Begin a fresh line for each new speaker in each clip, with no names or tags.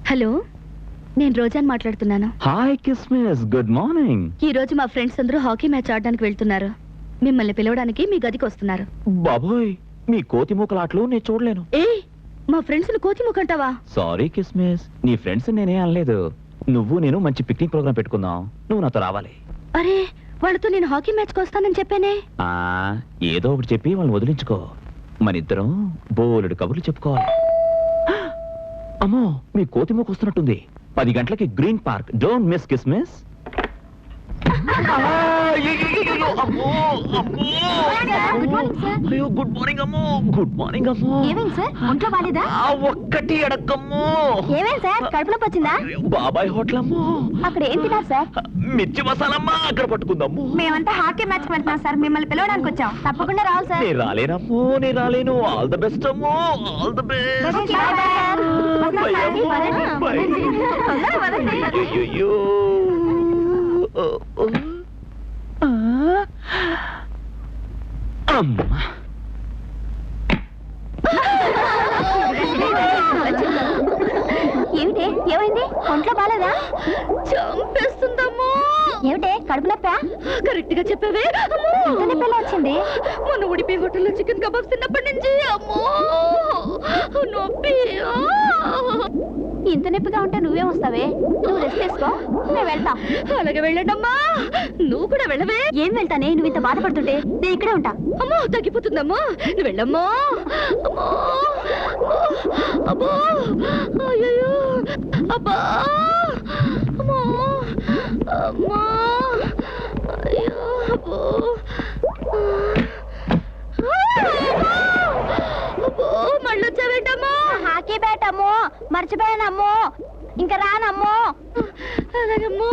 Hello, నేను రోజాని మాట్లాడుతున్నాను.
Hi కిస్మిస్, గుడ్ మార్నింగ్.
ఈ రోజు మా ఫ్రెండ్స్ అందరూ హాకీ మ్యాచ్ ఆడడానికి వెళ్తున్నారు. మిమ్మల్ని పిలవడానికి మీ గదికి వస్తున్నారు.
బాబోయ్, మీ కోతి మూకలాట్లు నేను చూడలేను.
ఏ, మా ఫ్రెండ్స్ ను కోతి మూకంటావా?
సారీ కిస్మిస్, నీ ఫ్రెండ్స్ నేనే అనలేదు. నువ్వు నేను మంచి పిక్నిక్ ప్రోగ్రామ్ పెట్టుకుందాం, నువ్వు నాతో రావాలి.
అరే, వాళ్ళతో నేను హాకీ మ్యాచ్ కి వస్తానని చెప్పానే.
ఏదో ఒకటి చెప్పి వాళ్ళని వదిలించుకో. మన ఇద్దరం బోలెడు కబుర్లు చెప్పుకోవాలి. అమ్మో, మీ కోతి మూక వస్తున్నట్టుంది. 10 గంటలకి గ్రీన్ పార్క్, డోంట్ మిస్ కిస్మిస్. గుడ్ మార్నింగ్ అమ్మో. గుడ్ మార్నింగ్ అమ్మో.
ఏమేం సార్, ఒంట్లో బాలేదా?
ఒక్కటి అడక్కమ్మో.
ఏమేం సార్, కడుపులో వచ్చిందా?
బాబాయ్ హోటల్ అమ్మో.
అక్కడ ఏం తిన్నారు సార్?
మిర్చి మసాలమ్మా, అక్కడ పట్టుకుందమ్మో.
మేమంతా హాకీ మ్యాచ్ కి వెళ్తున్నాం సార్, మిమ్మల్ని పిలవడానికి వచ్చాం. తప్పకుండా రావాలి సార్.
నేను రాలేనమ్మో, నేను రాలేను. ఆల్ ద బెస్ట్ అమ్మో, ఆల్ ద బెస్ట్. అమ్మా,
ఏమిటే, ఏమైంది? ఒంట్లో బాలేదా? చంపేస్తుందమ్మో. ఏమిటే, కడుపు నొప్పా? కరెక్ట్ గా చెప్పావే. నొప్పి వచ్చింది. మొన్న ఉడిపి హోటల్లో చికెన్ కబాబ్స్ తిన్నప్పటి నుంచి అమ్మో నొప్పి. ఇంత నొప్పిగా ఉంటే నువ్వే వస్తావే? నువ్వు రెస్ట్ తీసుకో, నేను వెళ్తా. అలాగే వెళ్ళండమ్మా. నువ్వు కూడా వెళ్ళవే? ఏం వెళ్తానే, నువ్వు ఇంత బాధపడుతుంటే నేను ఇక్కడే ఉంటా. అమ్మో, తగ్గిపోతుందమ్మా, నువ్వు వెళ్ళమ్మా. అమ్మో అబ్బో, అయ్యో అబ్బా, అమ్మో అమ్మా, అయ్యో అబ్బో అబ్బో. మళ్ళీ వచ్చావేంటమ్మా? హాకీ బ్యాట్ అమ్మో, మర్చిపోయానమ్మో, ఇంకా రానమ్మో. అలాగమ్మో.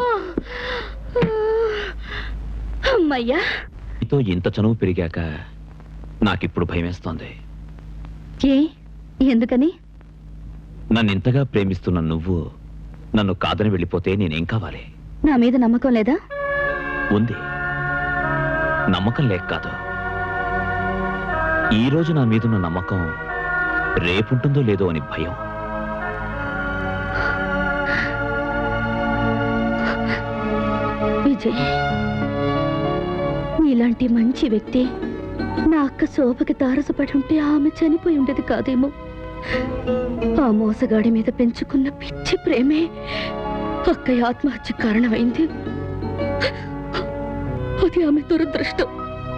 అమ్మయ్యా.
నీతో ఇంత చనువు పెరిగాక నాకిప్పుడు భయమేస్తోంది.
ఏ, ఎందుకని?
నన్ను ఇంతగా ప్రేమిస్తున్న నువ్వు నన్ను కాదని వెళ్ళిపోతే నేనేం కావాలి?
నా మీద నమ్మకం లేదా?
ఉంది. నమ్మకం లేక కాదు, ఈ రోజు నా మీదున్న నమ్మకం రేపుంటుందో లేదో అని భయం.
విజయ్, నీలాంటి మంచి వ్యక్తి నా అక్క శోభకి తారసపడి ఉంటే ఆమె చనిపోయి ఉండేది కాదేమో. ఆ మోసగాడి మీద పెంచుకున్న పిచ్చి ప్రేమే అక్కయ్య ఆత్మహత్య కారణమైంది. అది ఆమె దురదృష్టం.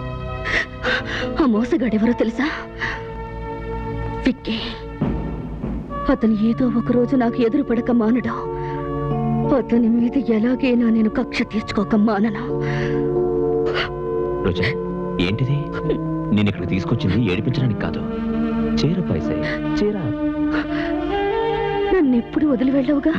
ఆ మోసగాడెవరో తెలుసా? విక్కీ. అతను ఏదో ఒక రోజు నాకు ఎదురు పడక మానడా. అతని మీద ఎలాగైనా నేను కక్ష తీర్చుకోక మానను.
రోజా, ఏంటిది? నేను ఇక్కడికి తీసుకొచ్చింది ఏడిపించడానికి కాదు. చీర పైసే, చీర.
నన్ను ఎప్పుడు వదిలి వెళ్ళవుగా.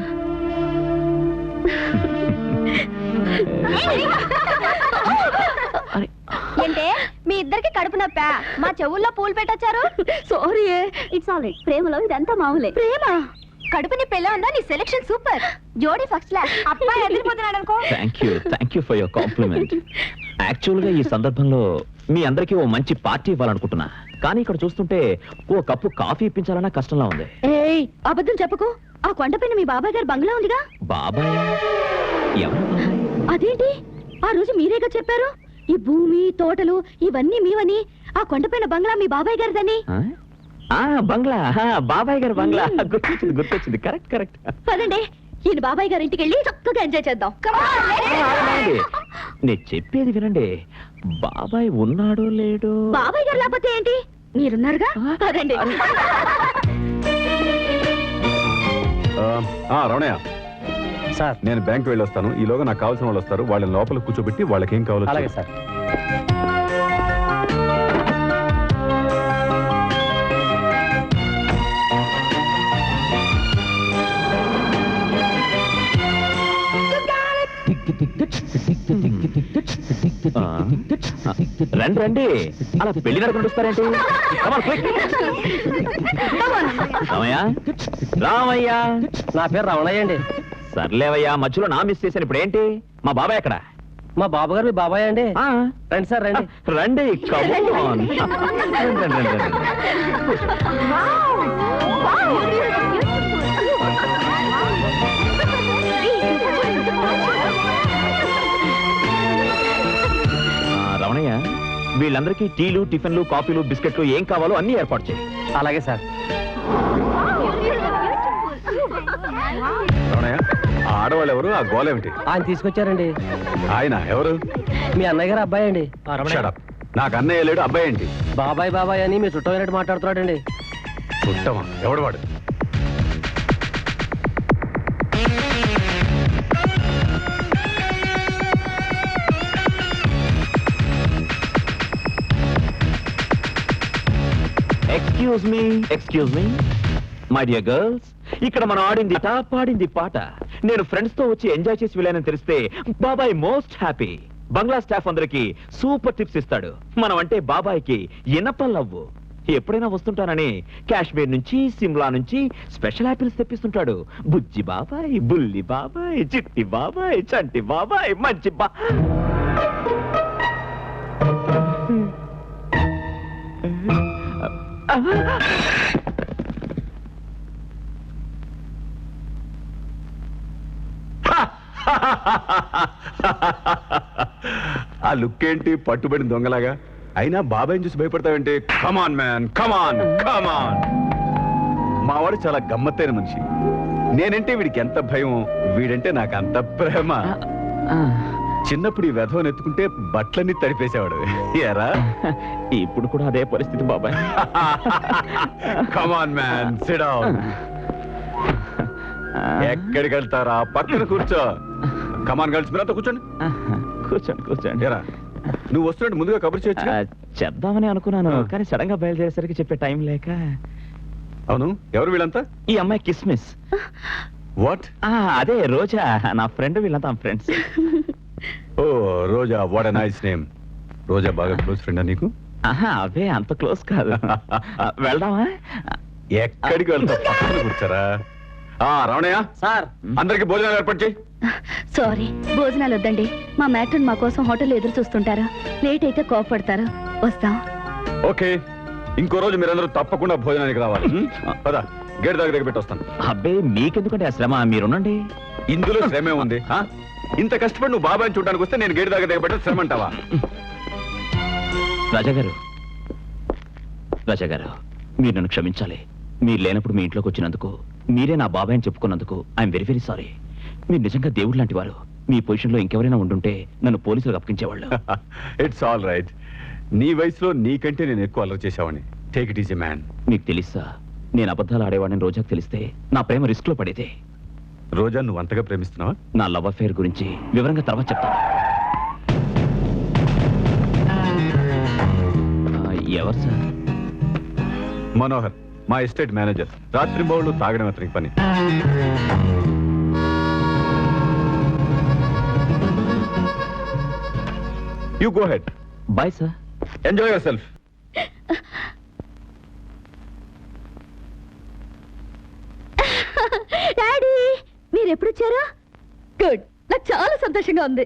ఏంటే, మీ ఇద్దరికి కడుపు నొప్పా? మా చెవుల్లో పూలు పెట్టొచ్చారు. Sorry, it's all right. ప్రేమలో ఇదంతా మామూలే. ప్రేమ కడుపుని పెళ్ళ ఉందా? నీ సెలెక్షన్ సూపర్. జోడీ ఫస్ట్ క్లాస్. అబ్బాయి ఎదిరిపోతున్నాడు అనుకో.
Thank you for your compliment. Actual గా ఈ సందర్భంలో మీ అందరికీ ఓ మంచి పార్టీ ఇవ్వాలనుకుంటున్నా, కానీ ఇక్కడ చూస్తుంటే ఓ కప్పు కాఫీ ఇప్పించాలన్నా కష్టంలా ఉంది.
ఏయ్, అబద్ధం చెప్పకు. ఆ కొండపైన మీ బాబాయ్ గారు బంగ్లా ఉందిగా.
బాబాయ్? ఎవరు?
అదేంటి, ఆ రోజు మీరేగా చెప్పారు ఈ భూమి తోటలు ఇవన్నీ మీవని. ఆ కొండపైన బంగ్లా మీ బాబాయ్ గారిదని.
బంగ్లా, బాబాయ్ గారు బంగ్లా. గుర్తొచ్చింది. కరెక్ట్.
పదండి, ఈయన బాబాయ్ గారి ఇంటికి వెళ్ళి చక్కగా ఎంజాయ్ చేద్దాం.
నేను చెప్పేది వినండి. బాబాయ్ ఉన్నాడో లేడో?
బాబాయ్ గారు లేకపోతే ఏంటి, మీరున్నారుగా. పదండి.
రమణయ్య
సార్,
నేను బ్యాంక్ వెళ్ళొస్తాను. ఈలోగా నాకు కావాల్సిన వాళ్ళు వస్తారు. వాళ్ళని లోపల కూర్చోబెట్టి వాళ్ళకి ఏం కావాలో.
అలాగే సార్.
రండి, అలా పెళ్లి నడుకుంటూ వస్తారేంటి? రామయ్య.
నా పేరు రమణయ్య అండి.
సర్లేవయ్యా, మధ్యలో నా మిస్ చేశాను. ఇప్పుడు ఏంటి? మా బాబాయ్ ఎక్కడ?
మా బాబు గారు మీ బాబాయ్ అండి. రండి సార్, రండి.
రండి. వీళ్ళందరికీ టీలు టిఫిన్లు కాఫీలు బిస్కెట్లు ఏం కావాలో అన్ని ఏర్పాటు చేయి.
అలాగే సార్.
రమణయ్య, ఆ ఆడవాళ్ళు ఎవరు? ఆ గోల ఏమిటి?
ఆయన తీసుకొచ్చారండి.
ఆయన ఎవరు?
మీ అన్నయ్య గారు అబ్బాయి అండి.
Shut up. నాకు అన్నయ్య లేడు, అబ్బాయి ఏంటి?
బాబాయ్ బాబాయ్ అని మీ చుట్టమైనట్టు మాట్లాడుతున్నాడండి.
ఉత్తమం. ఎవడు వాడు?
Excuse me my dear girls, ఇక్కడ మనం ఆడింది పాడింది పాట. నేను ఫ్రెండ్స్ తో వచ్చి ఎంజాయ్ చేసి వెళ్ళానని తెలిస్తే బాబాయ్ మోస్ట్ హ్యాపీ. బంగ్లా స్టాఫ్ అందరికి సూపర్ టిప్స్ ఇస్తాడు. మనం అంటే బాబాయ్కి ఇనపల్లవ్వు. ఎప్పుడైనా వస్తుంటానని కాశ్మీర్ నుంచి సిమ్లా నుంచి స్పెషల్ యాపిల్స్ తెప్పిస్తుంటాడు. బుజ్జి బాబాయ్, బుల్లి బాబాయ్, చిట్టి బాబాయ్, చంటి బాబాయ్, మంచి
ఆ లుక్ ఏంటి? పట్టుబడిన దొంగలాగా. అయినా బాబాయ్ని చూసి భయపడతావంటే? కమాన్ మ్యాన్, కమాన్ కమాన్. మావాడు చాలా గమ్మత్తైన మనిషి. నేనంటే వీడికి ఎంత భయం, వీడంటే నాకు అంత ప్రేమ. చిన్నప్పుడు ఈ వెధవని ఎత్తుకుంటే బట్టలన్నీ తడిపేసేవాడు. ఎరా
ఇప్పుడు కూడా అదే పరిస్థితి బాబాయ్.
Come on man, sit down. ఎక్కడికి వెళ్తారా? పక్కన కూర్చో. కమాన్ గర్ల్స్, మీరంతా కూర్చోండి.
కూర్చోండి.
ఎరా, నువ్వు వస్తున్నట్టు ముందుగా కబుర్ చేయొచ్చు.
చేద్దామని అనుకున్నాను, కానీ సడన్ గా బయలుదేరేసరికి చెప్పే టైం లేక.
అవును, ఎవరు వీళ్ళంతా?
ఈ అమ్మాయి కిస్మిస్.
వాట్?
అదే రోజా, నా ఫ్రెండ్. వీళ్ళంతా ఫ్రెండ్స్.
ఓ Roja, what a nice name. Roja బాగా క్లోజ్ ఫ్రెండా నీకు?
అవే అంత క్లోజ్ కాదు. వెళ్దామా?
ఎక్కడికి వెళ్తా? పక్కన కూర్చారా? రమణయ్య
సార్,
అందరికి భోజనాలు ఏర్పాటు చేయి.
సారీ, భోజనాలు వద్దండి. మా మ్యాట్రన్ మా కోసం హోటల్ ఎదురు చూస్తుంటారు. లేట్ అయితే కోపడతారు. వస్తాం.
ఓకే, ఇంకో రోజు మీరందరూ తప్పకుండా భోజనానికి రావాలి. పద, గేట్ దగ్గర పెట్టి వస్తాను.
అబ్బే, మీకెందుకంటే ఆ శ్రమ, మీరునండి.
ఇందులో శ్రమే ఉంది. ఇంత కష్టపడి నువ్వు బాబాయ్ని చూడడానికి వస్తే నేను గేట్ దగ్గర పెట్టే శ్రమ అంటావా?
రాజా గారు, మీరు నన్ను క్షమించాలి. మీరు లేనప్పుడు మీ ఇంట్లోకి వచ్చినందుకు, మీరే నా బాబాయ్ అని చెప్పుకున్నందుకు ఐఎమ్ వెరీ వెరీ సారీ. మీరు నిజంగా దేవుడు లాంటి వారు. మీ పొజిషన్లో ఇంకెవరైనా ఉండుంటే నన్ను పోలీసులకు అప్పగించేవాళ్ళు.
It's all right. నీ వయసులో నీకంటే నేను ఎక్కువ అలర్ చేశావని. Take it easy man.
మీకు తెలుసా, నేను అబద్ధాలు ఆడేవాడిని రోజాకు తెలిస్తే నా ప్రేమ రిస్క్ లో పడేదే.
రోజా, నువ్వు అంతగా ప్రేమిస్తున్నావా?
నా లవ్ అఫేర్ గురించి వివరంగా తర్వాత చెప్తాను. ఎవరు సార్?
మనోహర్, మా ఎస్టేట్ మేనేజర్. రాత్రి బౌళ్ళు తాగడం అతనికి పని. You go head.
Bye sir.
Enjoy yourself.
Daddy, మీరు ఎప్పుడు వచ్చారా? గుడ్, నాకు చాలా సంతోషంగా ఉంది.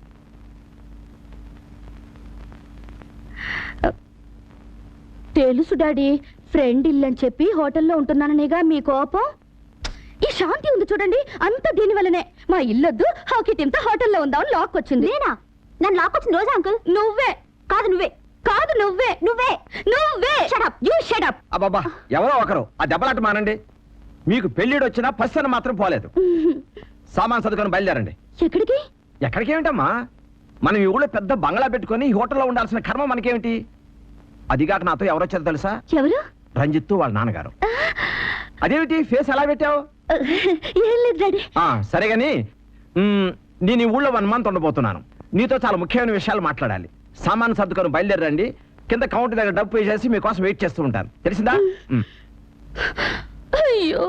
తెలుసు డాడీ, ఫ్రెండ్ ఇల్లని చెప్పి హోటల్లో ఉంటున్నాననేగా మీ కోపం. ఈ శాంతి ఉంది చూడండి, అంతా దీని వల్లనే. మా ఇల్లొద్దు, హాకీ టీంతో హోటల్లో ఉందామని లాక్ వచ్చింది. నేనా? నన్ను లాక్ వచ్చింది రోజా అంకుల్. నువ్వే కాదు, నువ్వే కాదు, నువ్వే నువ్వే నువ్వే. Shut you shut up.
అబ్బబ్బా, ఎవరో ఒకరు ఆ దెబ్బలాట మానండి. మీకు పెళ్లిడు వచ్చినా పස්සన మాత్రం పోలేదు. సామాన్ సర్దుకొని బయలుదేరండి.
ఎక్కడికి?
ఎక్కడికేమిటమ్మా, మనం ఈ ఊళ్ళో పెద్ద బంగ్లా పెట్టుకొని ఈ హోటల్లో ఉండాల్సిన కర్మ మనకేమిటి? అదిగాక నాతో ఎవరొచ్చారో తెలుసా?
ఎవరు?
రంజిత్తు వాళ్ళ నాన్నగారు. అదేమిటి ఫేస్ ఎలా పెట్టావు?
ఏం లేదు డాడీ.
సరే గాని, నేను ఈ ఊళ్ళో 1 month ఉండబోతున్నాను. నీతో చాలా ముఖ్యమైన విషయాలు మాట్లాడాలి. సామాన్ సర్దుకొని బయలుదేరండి. కింద కౌంటర్ దగ్గర డబ్బు పే చేసి మీకోసం వెయిట్ చేస్తూ ఉంటాను. తెలిసిందా?
అయ్యో,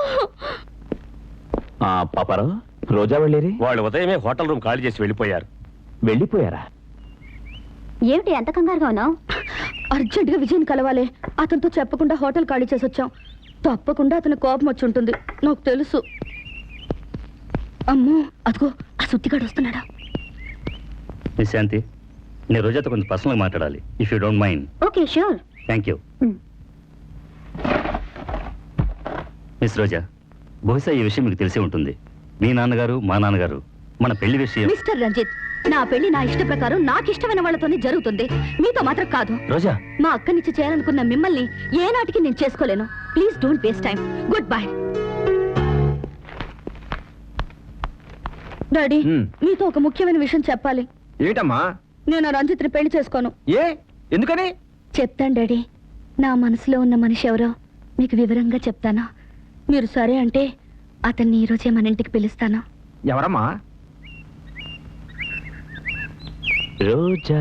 పాపారావు, రోజా వెళ్ళేరి?
వాళ్ళు ఉదయమే హోటల్ రూమ్ ఖాళీ చేసి వెళ్ళిపోయారు.
వెళ్ళిపోయారా?
ఏమిటి ఎంత కంగారుగా ఉన్నావు? అర్జెంటుగా విజయన్ కలవాలి. అతనితో చెప్పకుండా హోటల్ ఖాళీ చేసి వచ్చాం. తప్పకుండా అతని కోపం వచ్చి ఉంటుంది, నాకు తెలుసు. అమ్మో, అదిగో ఆ సుత్తిగాడు వస్తున్నాడా?
మిస్ శాంతి, నేను రోజాతో కొంచెం పర్సనల్గా మాట్లాడాలి. If you don't mind.
Okay, sure.
Thank you. Miss Roja, బహుశా ఈ విషయం మీకు తెలిసే ఉంటుంది. మీ నాన్నగారు మా నాన్నగారు మన పెళ్లి విషయం.
మిస్టర్ రంజిత్, నా పెళ్లి నా ఇష్ట ప్రకారం నాకు ఇష్టమైన వాళ్ళతోనే జరుగుతుంది, మీతో మాత్రం కాదు.
రోజా
మా అక్కనిచ్చి చేయాలనుకున్న మిమ్మల్ని ఏనాటికి నేను చేసుకోలేను. Please don't waste time. Good bye. Daddy, మీతో ఒక ముఖ్యమైన విషయం చెప్పాలి.
ఏమిటమ్మా?
నేను రంజిత్ని పెళ్లి చేసుకోను.
ఏ ఎందుకని?
చెప్తాను డాడీ. నా మనసులో ఉన్న మనిషి ఎవరో మీకు వివరంగా చెప్తాను. మీరు సరే అంటే అతన్ని ఈ రోజే మన ఇంటికి పిలుస్తాను.
ఎవరమ్మా?
రోజా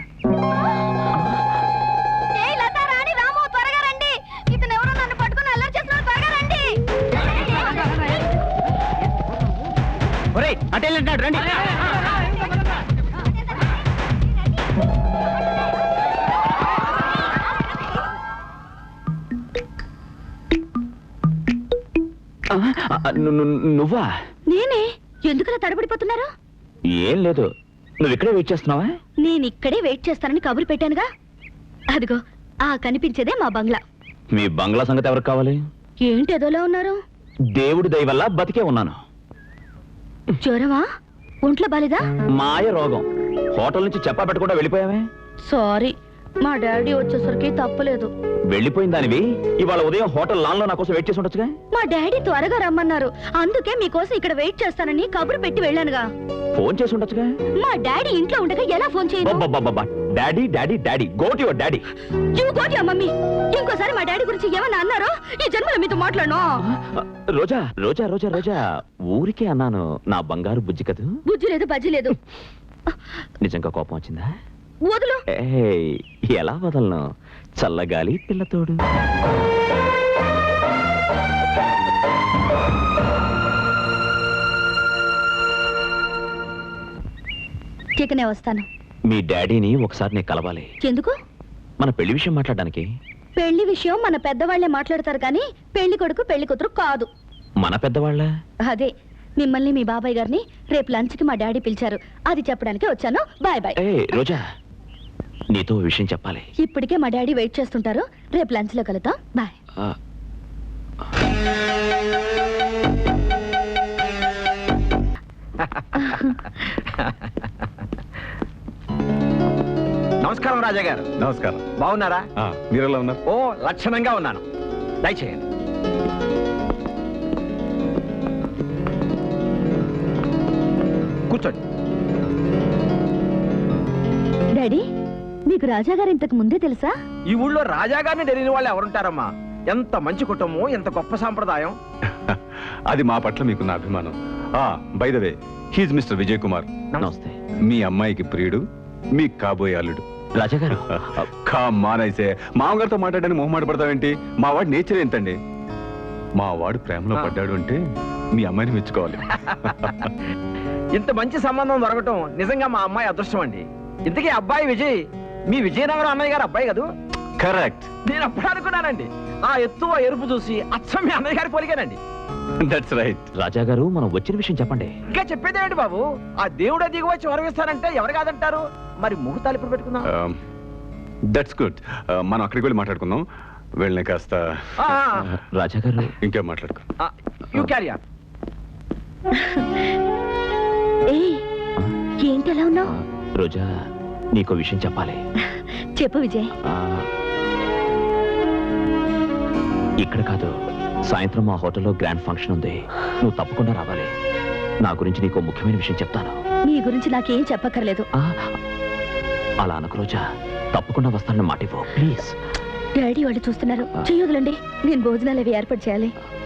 రండి.
నువ్వా?
నేనే. ఎందుకలా తడబడిపోతున్నారు?
ఏం లేదు, నువ్వు ఇక్కడే వెయిట్ చేస్తున్నావా?
నేను ఇక్కడే వెయిట్ చేస్తానని కబురు పెట్టానుగా. అదిగో ఆ కనిపించేదే మా బంగ్లా.
మీ బంగ్లా సంగతి ఎవరికి కావాలి?
ఏంటి ఎదోలా ఉన్నారు?
దేవుడి దయ వల్ల బతికే ఉన్నాను.
జ్వరమా? ఒంట్లో బాలేదా?
మాయ రోగం. హోటల్ నుంచి చెప్పా పెట్టకుండా వెళ్ళిపోయావే?
సారీ, మా డాడీ వచ్చేసరికి తప్పలేదు.
వెళ్ళిపోయిన దానివి ఇవాళ ఉదయం హోటల్ లాన్ లో నా కోసం వెయిట్ చేసి ఉండొచ్చుగా?
మా డాడీ త్వరగా రమ్మన్నారు, అందుకే మీకోసం ఇక్కడ వెయిట్ చేస్తానని కబురు పెట్టి వెళ్ళానుగా.
ఫోన్ చేసి ఉండొచ్చుగా?
మా డాడీ ఇంట్లో ఉండగా ఎలా ఫోన్ చేయను?
Daddy daddy daddy go to your daddy.
You go to your mummy. ఇంకోసారి మా డాడీ గురించి ఏమన్నా అన్నారో ఈ జన్మలో మీతో మాట్లాడను.
రోజా రోజా రోజా రోజా ఊరికే అన్నాను, నా బంగారు బుజ్జి కదూ.
బుజ్జి లేదు, బజ్జి లేదు.
నిజంగా కోపం వచ్చిందా?
వదులు.
ఏయ్, ఎలా వదలను? చల్లగాలి పిల్లతోడు.
చికనే వస్తాను.
మీ డాడీని ఒకసారి నేను కలవాలి.
ఎందుకు?
మన పెళ్లి విషయం మాట్లాడడానికి.
పెళ్లి విషయం మన పెద్దవాళ్లే మాట్లాడతారు కానీ పెళ్లి కొడుకు పెళ్లి కూతురు కాదు.
మన పెద్దవాళ్ళ?
అదే, మిమ్మల్ని మీ బాబాయ్ గారిని రేపు లంచ్ కి మా డాడీ పిలిచారు, అది చెప్పడానికి వచ్చాను. Bye bye.
రోజా, నీతో విషయం చెప్పాలి.
ఇప్పటికే మా డాడీ వెయిట్ చేస్తుంటారు, రేపు లంచ్ లో కలుద్దాం. బాయ్.
నమస్కారం రాజా గారు.
నమస్కారం.
బాగున్నారా?
మీరెలా ఉన్నారు?
ఓ, లక్షణంగా ఉన్నాను. దయచేయండి. కూర్చోండి.
డాడీ, మీకు రాజా గారు ఇంతకు ముందే తెలుసా?
ఈ ఊళ్ళో రాజాగారిని తెలియని వాళ్ళు ఎవరుంటారమ్మా? ఎంత మంచి కుటుంబం, ఎంత గొప్ప సాంప్రదాయం.
అది మా పట్ల మీకున్న అభిమానం. By the way, he's mister Vijay Kumar.
నమస్తే.
మీ అమ్మాయికి ప్రియుడు, మీ కాబోయే అల్లుడు.
రాజా గారు,
మానైసే మామగారితో మాట్లాడడానికి మొహమాట పడతావేంటి? మా వాడు నేచర్ ఏంటండి? మా వాడు ప్రేమలో పడ్డాడు అంటే మీ అమ్మాయిని మెచ్చుకోవాలి.
ఇంత మంచి సంబంధం దొరకటం నిజంగా మా అమ్మాయి అదృష్టం అండి. ఇంతకీ అబ్బాయి విజయ్ మీ విజయనగరం అన్నయ్య గారు అబ్బాయి కదూ?
కరెక్ట్.
నేను అప్పుడు అనుకున్నానండి, ఆ ఎత్తు ఆ ఎరుపు చూసి అచ్చం మీ అన్నయ్య గారి పోలిగానండి.
That's right.
రాజా గారు, మనం వచ్చిన విషయం చెప్పండి.
ఇంకా చెప్పేదేమిటి బాబు? ఆ దేవుడే దిగి వచ్చి వరవిస్తానంటే ఎవరు కాదంటారు? మరి ముహూర్తాలు ఇప్పుడు పెట్టుకుందాం.
That's good. మనం అక్కడికి వెళ్ళి మాట్లాడుకుందాం. వెళ్ళిన కాస్త
రాజా గారు,
ఇంకేం మాట్లాడుకో.
You carry on.
ఏంటి ఎలా ఉన్నావు?
రోజా, నీకో విషయం చెప్పాలి.
చెప్పు విజయ్.
ఇక్కడ కాదు, సాయంత్రం మా హోటల్లో గ్రాండ్ ఫంక్షన్ ఉంది, నువ్వు తప్పకుండా రావాలి. నా గురించి నీకు ముఖ్యమైన విషయం చెప్తాను.
నీ గురించి నాకేం చెప్పక్కర్లేదు.
అలా అనకు రోజా, తప్పకుండా వస్తానని మాట ఇవ్వు ప్లీజ్.
డాడీ వాళ్ళు చూస్తున్నారు, చెయ్యొదలండి. నేను భోజనాలు అవి ఏర్పాటు చేయాలి.